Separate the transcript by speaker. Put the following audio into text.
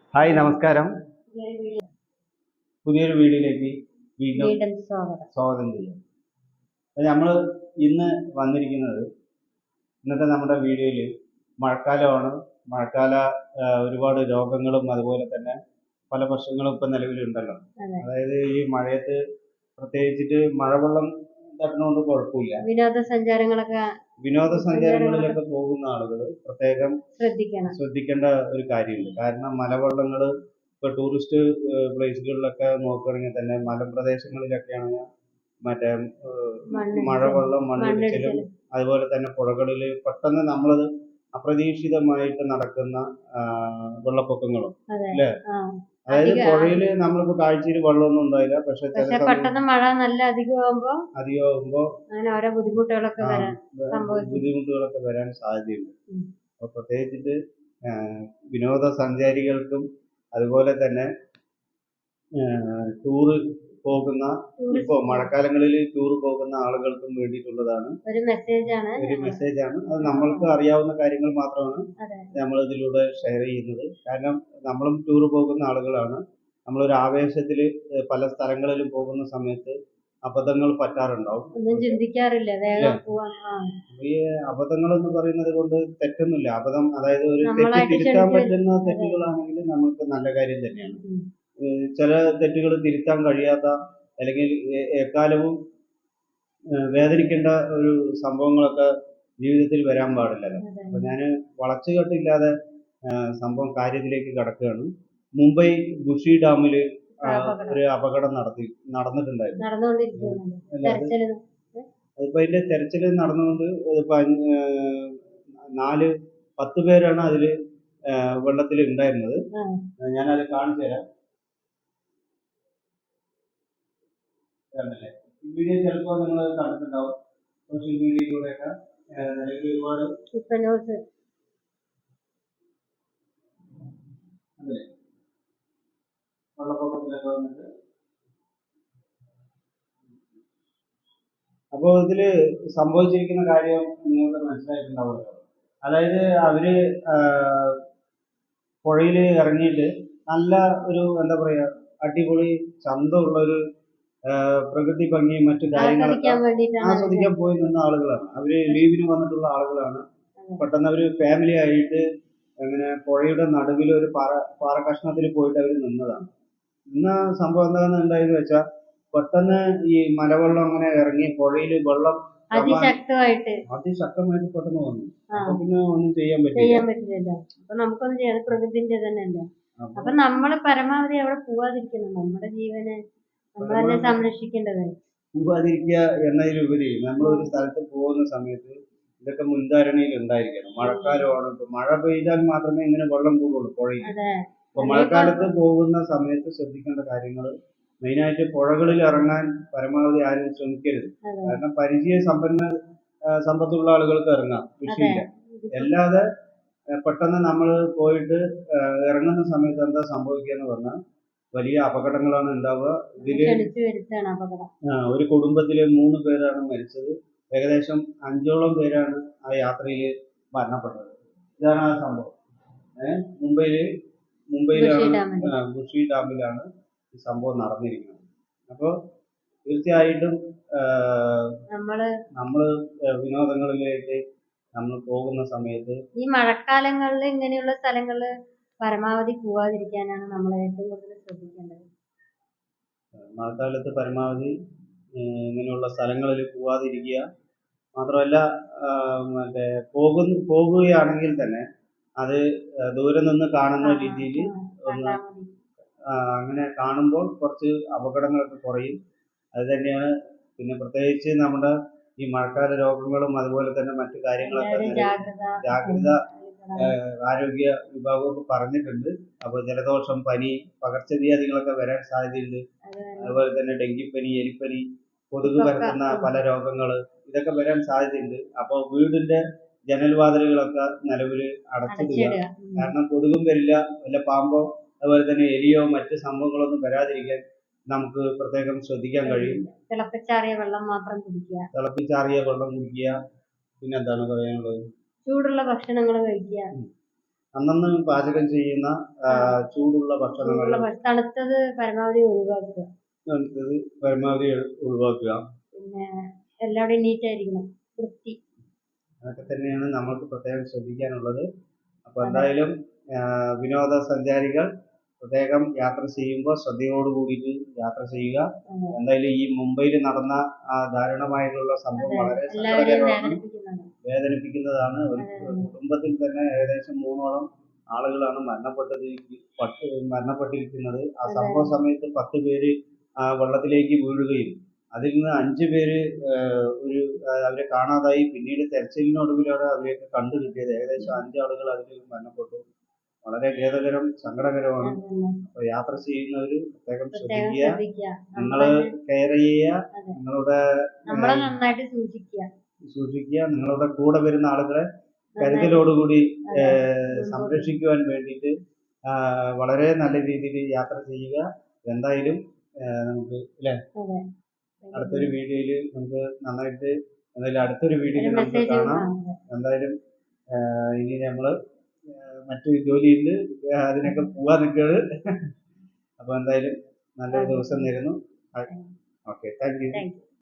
Speaker 1: Hi നമസ്കാരം. പുതിയൊരു വീഡിയോയിലേക്ക് വീണ്ടും
Speaker 2: വീണ്ടും സ്വാഗതം.
Speaker 1: സ്വാഗതം ചെയ്യാം. നമ്മൾ ഇന്ന് വന്നിരിക്കുന്നത് ഇന്നത്തെ നമ്മുടെ വീഡിയോയിൽ മഴക്കാലമാണ്. മഴക്കാല ഒരുപാട് രോഗങ്ങളും അതുപോലെ തന്നെ പല പ്രശ്നങ്ങളും ഇപ്പം നിലവിലുണ്ടല്ലോ.
Speaker 2: അതെ.
Speaker 1: അതായത് ഈ മഴയത്ത് പ്രത്യേകിച്ചിട്ട് മഴവെള്ളം തട്ടുന്നതുകൊണ്ട് കുഴപ്പമില്ല. വിനോദസഞ്ചാരങ്ങളിലൊക്കെ പോകുന്ന ആളുകൾ പ്രത്യേകം ശ്രദ്ധിക്കേണ്ട ഒരു കാര്യമുണ്ട്. കാരണം മലവെള്ളങ്ങൾ ഇപ്പോൾ ടൂറിസ്റ്റ് പ്ലേസുകളിലൊക്കെ നോക്കുകയാണെങ്കിൽ തന്നെ മലമ്പ്രദേശങ്ങളിലൊക്കെയാണെങ്കിൽ മറ്റേ മഴവെള്ളം, മണ്ണിടിച്ചിലും അതുപോലെ തന്നെ പുഴകളിൽ പെട്ടെന്ന് നമ്മളത് അപ്രതീക്ഷിതമായിട്ട് നടക്കുന്ന വെള്ളപ്പൊക്കങ്ങളും അല്ലേ. അതായത് പുഴയിൽ നമ്മളിപ്പോ കാഴ്ചയിൽ വെള്ളമൊന്നും ഉണ്ടായില്ല, പക്ഷെ
Speaker 2: പെട്ടെന്ന് മഴ നല്ല അധികമാകുമ്പോ
Speaker 1: അങ്ങനെ ഓരോ ബുദ്ധിമുട്ടുകളൊക്കെ വരാൻ സാധ്യതയുണ്ട്. അപ്പൊ പ്രത്യേകിച്ചിട്ട് വിനോദസഞ്ചാരികൾക്കും അതുപോലെ തന്നെ ടൂറ് പോകുന്ന ഇപ്പോ മഴക്കാലങ്ങളിൽ ടൂർ പോകുന്ന ആളുകൾക്കും വേണ്ടിയിട്ടുള്ളതാണ്
Speaker 2: ഒരു
Speaker 1: മെസ്സേജാണ്. അത് നമ്മൾക്ക് അറിയാവുന്ന കാര്യങ്ങൾ മാത്രമാണ് നമ്മൾ ഇതിലൂടെ ഷെയർ ചെയ്യുന്നത്. കാരണം നമ്മളും ടൂർ പോകുന്ന ആളുകളാണ്. നമ്മളൊരു ആവേശത്തിൽ പല സ്ഥലങ്ങളിലും പോകുന്ന സമയത്ത് അബദ്ധങ്ങൾ പറ്റാറുണ്ടാവും. ഈ അബദ്ധങ്ങൾ എന്ന് പറയുന്നത് കൊണ്ട് തെറ്റൊന്നുമില്ല. അബദ്ധം അതായത് ഒരു തെറ്റ് തിരുത്താൻ പറ്റുന്ന തെറ്റുകളാണെങ്കിൽ നമുക്ക് നല്ല കാര്യം തന്നെയാണ്. ചില തെറ്റുകൾ തിരുത്താൻ കഴിയാത്ത അല്ലെങ്കിൽ എക്കാലവും വേദനിക്കേണ്ട ഒരു സംഭവങ്ങളൊക്കെ ജീവിതത്തിൽ വരാൻ പാടില്ലല്ലോ. അപ്പൊ ഞാൻ വളച്ചുകെട്ടില്ലാതെ സംഭവം കാര്യത്തിലേക്ക് കടക്കുകയാണ്. മുംബൈ ബുഷി ഡാമിൽ ഒരു അപകടം നടന്നിട്ടുണ്ടായിരുന്നു. അതിപ്പോ അതിന്റെ തെരച്ചിൽ നടന്നുകൊണ്ട് 10 പേരാണ് അതിൽ വെള്ളത്തിൽ ഉണ്ടായിരുന്നത്. ഞാനത് കാണിച്ചു തരാം. ഈ വീഡിയോ ചിലപ്പോൾ നിങ്ങൾ കണ്ടിട്ടുണ്ടാവും സോഷ്യൽ മീഡിയയിലൂടെയൊക്കെ. നിലവിൽ ഒരുപാട് അല്ലേ വെള്ളപ്പൊക്കത്തിലൊക്കെ വന്നിട്ട്. അപ്പോൾ ഇതില് സംഭവിച്ചിരിക്കുന്ന കാര്യം നിങ്ങൾക്ക് മനസ്സിലായിട്ടുണ്ടാവുമല്ലോ. അതായത് അവര് പുഴയിൽ ഇറങ്ങിയിട്ട് നല്ല ഒരു എന്താ പറയാ അടിപൊളി ചന്തമുള്ള ഒരു പ്രകൃതി ഭംഗിയും മറ്റു കാര്യങ്ങളൊക്കെ ആസ്വദിക്കാൻ പോയി നിന്ന ആളുകളാണ്. അവര് ലീവിന് വന്നിട്ടുള്ള ആളുകളാണ്. പെട്ടെന്ന് അവര് ഫാമിലി ആയിട്ട് അങ്ങനെ പുഴയുടെ നടുവിൽ ഒരു പാറ കഷ്ണത്തിൽ പോയിട്ട് അവർ നിന്നതാണ്. ഇന്ന സംഭവം എന്താണെന്ന് ഉണ്ടായെന്ന് വെച്ചാൽ പെട്ടെന്ന് ഈ മലവെള്ളം അങ്ങനെ ഇറങ്ങി പുഴയിൽ വെള്ളം അതിശക്തമായിട്ട് പെട്ടെന്ന് വന്നു. അപ്പൊ പിന്നെ ഒന്നും ചെയ്യാൻ പറ്റില്ല.
Speaker 2: അപ്പൊ നമുക്കൊന്നും ചെയ്യാം, പ്രകൃതിന്റെ തന്നെയല്ല. അപ്പൊ നമ്മള് പരമാവധി അവിടെ പോവാതിരിക്കണം. നമ്മുടെ ജീവനെ നമ്മൾ തന്നെ സംരക്ഷിക്കേണ്ടത്.
Speaker 1: പോവാതിരിക്കുക എന്നതിലുപരി നമ്മൾ ഒരു സ്ഥലത്ത് പോകുന്ന സമയത്ത് ഇതൊക്കെ മുൻധാരണയിൽ ഉണ്ടായിരിക്കണം. മഴക്കാലമാണ്, ഇപ്പൊ മഴ പെയ്താൽ മാത്രമേ ഇങ്ങനെ വെള്ളം കൂടുള്ളൂ പുഴയിൽ. അപ്പൊ മഴക്കാലത്ത് പോകുന്ന സമയത്ത് ശ്രദ്ധിക്കേണ്ട കാര്യങ്ങൾ മെയിനായിട്ട് പുഴകളിൽ ഇറങ്ങാൻ പരമാവധി ആരും ശ്രമിക്കരുത്. കാരണം സമ്പത്തുള്ള ആളുകൾക്ക് ഇറങ്ങാം, വിഷയമില്ല. അല്ലാതെ പെട്ടെന്ന് നമ്മൾ പോയിട്ട് ഇറങ്ങുന്ന സമയത്ത് എന്താ സംഭവിക്കുക എന്ന് പറഞ്ഞാൽ വലിയ അപകടങ്ങളാണ് ഉണ്ടാവുക. ഇതില് ഒരു കുടുംബത്തിലെ 3 പേരാണ് മരിച്ചത്. ഏകദേശം 5ഓളം പേരാണ് ആ യാത്രയിൽ മരണപ്പെട്ടത്. ഇതാണ് ആ സംഭവം. മുംബൈയിലാണ്, ബുഷി ഡാമിലാണ് ഈ സംഭവം നടന്നിരിക്കുന്നത്. അപ്പോൾ തീർച്ചയായിട്ടും നമ്മള് വിനോദങ്ങളിലേക്ക് നമ്മൾ പോകുന്ന സമയത്ത്
Speaker 2: ഈ മഴക്കാലങ്ങളിൽ ഇങ്ങനെയുള്ള സ്ഥലങ്ങളിൽ പരമാവധി പോവാതിരിക്കാനാണ് നമ്മൾ ഏറ്റവും കൂടുതൽ ശ്രദ്ധിക്കേണ്ടത്.
Speaker 1: മഴക്കാലത്ത് പരമാവധി ഇങ്ങനെയുള്ള സ്ഥലങ്ങളിൽ പോവാതിരിക്കുക. മാത്രമല്ല മറ്റേ പോകുകയാണെങ്കിൽ തന്നെ അത് ദൂരെ നിന്ന് കാണുന്ന രീതിയിൽ ഒന്ന് അങ്ങനെ കാണുമ്പോൾ കുറച്ച് അപകടങ്ങളൊക്കെ കുറയും. അത് തന്നെയാണ്. പിന്നെ പ്രത്യേകിച്ച് നമ്മുടെ ഈ മഴക്കാല രോഗങ്ങളും അതുപോലെ തന്നെ മറ്റു കാര്യങ്ങളൊക്കെ ജാഗ്രത ആരോഗ്യ വിഭാഗമൊക്കെ പറഞ്ഞിട്ടുണ്ട്. അപ്പോൾ ജലദോഷം, പനി, പകർച്ചവ്യാധികളൊക്കെ വരാൻ സാധ്യതയുണ്ട്. അതുപോലെ തന്നെ ഡെങ്കിപ്പനി, എലിപ്പനി, കൊതുക് പരത്തുന്ന പല രോഗങ്ങൾ ഇതൊക്കെ വരാൻ സാധ്യതയുണ്ട്. അപ്പോൾ വീടിന്റെ ജനൽവാതിലുകളൊക്കെ നിലവിൽ അടച്ചിടുക. കാരണം കൊതുകും വരില്ല, വല്ല പാമ്പോ അതുപോലെ തന്നെ എലിയോ മറ്റ് സംഭവങ്ങളൊന്നും വരാതിരിക്കാൻ നമുക്ക് പ്രത്യേകം ശ്രദ്ധിക്കാൻ കഴിയും.
Speaker 2: തിളപ്പിച്ചാറിയ വെള്ളം കുടിക്കുക.
Speaker 1: പിന്നെ എന്താണ് പറയാനുള്ളത്?
Speaker 2: ചൂടുള്ള ഭക്ഷണങ്ങൾ കഴിക്കുക.
Speaker 1: അന്നന്ന് പാചകം ചെയ്യുന്ന ചൂടുള്ള ഭക്ഷണങ്ങൾ
Speaker 2: തണുത്തത് പരമാവധി ഒഴിവാക്കുക.
Speaker 1: തണുത്തത് പരമാവധി ഒഴിവാക്കുക.
Speaker 2: പിന്നെ എല്ലാവരുടെയും നീറ്റായിരിക്കണം, വൃത്തി.
Speaker 1: അതൊക്കെ തന്നെയാണ് നമ്മൾക്ക് പ്രത്യേകം ശ്രദ്ധിക്കാനുള്ളത്. അപ്പോൾ
Speaker 2: അതെ.
Speaker 1: എന്തായാലും വിനോദസഞ്ചാരികൾ പ്രത്യേകം യാത്ര ചെയ്യുമ്പോൾ ശ്രദ്ധയോട് കൂടിയിട്ട് യാത്ര ചെയ്യുക.
Speaker 2: അതെ.
Speaker 1: എന്തായാലും ഈ മുംബൈയിൽ നടന്ന ദാരുണമായിട്ടുള്ള സംഭവം
Speaker 2: അതെ.
Speaker 1: വളരെ
Speaker 2: എല്ലാവരെയും
Speaker 1: സങ്കടകരമാണ്,
Speaker 2: വേദനിപ്പിക്കുന്നതാണ്.
Speaker 1: വേദനിപ്പിക്കുന്നതാണ്. ഒരു
Speaker 2: അതെ.
Speaker 1: കുടുംബത്തിൽ തന്നെ ഏകദേശം 3ഓളം ആളുകളാണ് മരണപ്പെട്ടിരിക്കുന്നത്. ആ
Speaker 2: അതെ.
Speaker 1: സംഭവ സമയത്ത് 10 പേര് വെള്ളത്തിലേക്ക് വീഴുകയും അതിൽ നിന്ന് 5 പേര് അവരെ കാണാതായി. പിന്നീട് തെരച്ചിലിനൊടുവിലാണ് അവരെയൊക്കെ കണ്ടുകിട്ടിയത്. ഏകദേശം 5 ആളുകൾ അതിൽ മരണപ്പെട്ടു. വളരെ ഖേദകരം, സങ്കടകരമാണ്.
Speaker 2: അതന്നെ.
Speaker 1: അപ്പോൾ യാത്ര ചെയ്യുന്നവർ പ്രത്യേകം
Speaker 2: പ്രത്യേകം
Speaker 1: ശ്രദ്ധിക്കുക.
Speaker 2: ശ്രദ്ധിക്കുക.
Speaker 1: നിങ്ങൾ കെയർ ചെയ്യുക.
Speaker 2: അതെ.
Speaker 1: നിങ്ങളുടെ
Speaker 2: നമ്മളെ നന്നായിട്ട് സൂക്ഷിക്കുക.
Speaker 1: നിങ്ങളുടെ കൂടെ വരുന്ന ആളുകളെ
Speaker 2: നന്നായിട്ട്
Speaker 1: കരുതലോടുകൂടി
Speaker 2: അതെ.
Speaker 1: സംരക്ഷിക്കുവാൻ വേണ്ടിയിട്ട് വളരെ നല്ല രീതിയിൽ യാത്ര ചെയ്യുക. എന്തായാലും നമുക്ക് അല്ലേ,
Speaker 2: അതെ.
Speaker 1: അടുത്തൊരു വീഡിയോയിൽ നമുക്ക് നന്നായിട്ട് എന്തായാലും അടുത്തൊരു
Speaker 2: ഒരു
Speaker 1: വീഡിയോയിൽ നമുക്ക്
Speaker 2: മെസ്സേജ്
Speaker 1: കാണാം. എന്തായാലും ഇനി നമ്മൾ മറ്റു ജോലിയുണ്ട്, അതിനൊക്കെ പോവാൻ നിൽക്കുന്നത്. അപ്പോൾ എന്തായാലും നല്ലൊരു ദിവസം നേരുന്നു. Okay, thank you.
Speaker 2: Thank U.